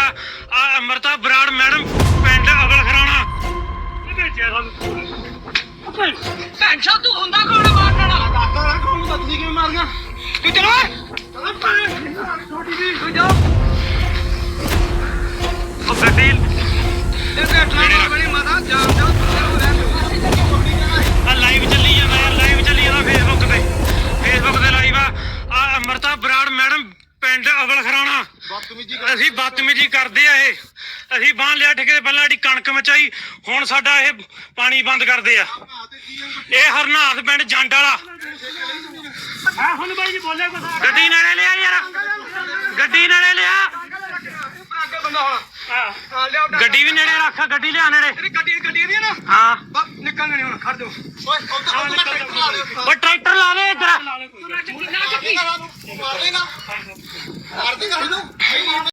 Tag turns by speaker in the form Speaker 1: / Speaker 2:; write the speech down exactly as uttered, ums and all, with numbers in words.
Speaker 1: ਵਾ ਆ ਅਮਰਤਾ ਬਰਾੜ ਮੈਡਮ ਪਿੰਡ ਅਵਲ ਖਰਾਣਾ
Speaker 2: ਟੈਨਸ਼ਨ ਤੂੰ ਹੁੰਦਾ ਕੌਣ ਮਾਰਨ ਵਾਲਾ
Speaker 3: ਡਾਕਟਰ ਕੌਣ ਹੁੰਦਾ ਤੁਸੀਂ ਕਿਵੇਂ ਮਾਰ ਗਿਆ
Speaker 2: ਤੂੰ ਚਲੋ
Speaker 3: ਛੋਟੀ ਜੀ
Speaker 2: ਤੂੰ ਜਾ
Speaker 1: ਉਹ ਗੱਡੀ
Speaker 2: ਇਹ ਬੈਠਣਾ ਬਣੀ ਮਾਤਾ ਜਾਮ ਜਾ
Speaker 1: ਆ ਲਾਈਵ ਚੱਲੀ ਜਾਂਦਾ ਯਾਰ ਲਾਈਵ ਚੱਲੀ ਜਾਂਦਾ ਫੇਸਬੁੱਕ ਤੇ ਫੇਸਬੁੱਕ ਤੇ ਲਾਈਵ ਆ ਆ ਅਮਰਤਾ ਬਰਾੜ ਮੈਡਮ ਪਿੰਡ ਅਵਲ ਖਰਾਣਾ
Speaker 3: ਬਦਤਮੀਜੀ
Speaker 1: ਅਸੀਂ ਬਦਤਮੀਜੀ ਕਰਦੇ ਆ ਇਹ ਅਸੀਂ ਬਾਂਹ ਲਿਆ ਠੇਕੇ ਤੇ ਪਹਿਲਾਂ ਸਾਡੀ ਕਣਕ ਮਚਾਈ ਹੁਣ ਸਾਡਾ ਇਹ ਪਾਣੀ ਬੰਦ ਕਰਦੇ ਆ ਇਹ ਹਰਨਾਥ ਪਿੰਡ ਜੰਡ ਵਾਲਾ
Speaker 3: ਹਾਂ ਹੁਣ ਬਾਈ ਜੀ ਬੋਲੇ ਕੁਛ
Speaker 1: ਗੱਡੀ ਨੇੜੇ ਲਿਆ ਯਾਰ ਗੱਡੀ ਨੇੜੇ ਲਿਆ
Speaker 2: ਅੱਗੇ ਬੰਦਾ ਹੁਣ ਹਾਂ ਲਿਆਓ
Speaker 1: ਗੱਡੀ ਵੀ ਨੇੜੇ ਰੱਖ ਗੱਡੀ ਲਿਆ ਨੇੜੇ
Speaker 2: ਤੇਰੀ ਗੱਡੀ ਗੱਡੀ ਦੀ ਨਾ
Speaker 1: ਹਾਂ
Speaker 2: ਬਸ ਨਿਕਲਣਾ ਨਹੀਂ ਹੁਣ ਖੜ ਜਾਓ
Speaker 3: ਓਏ ਉੱਧਰ ਉੱਧਰ ਟਰੈਕਟਰ ਲਾ ਦਿਓ
Speaker 1: ਉਹ ਟਰੈਕਟਰ ਲਾ ਦੇ ਇੱਧਰ
Speaker 3: ਮਾਰ ਦੇਗਾ ਮਾਰ ਦੇਗਾ ਇਹਨੂੰ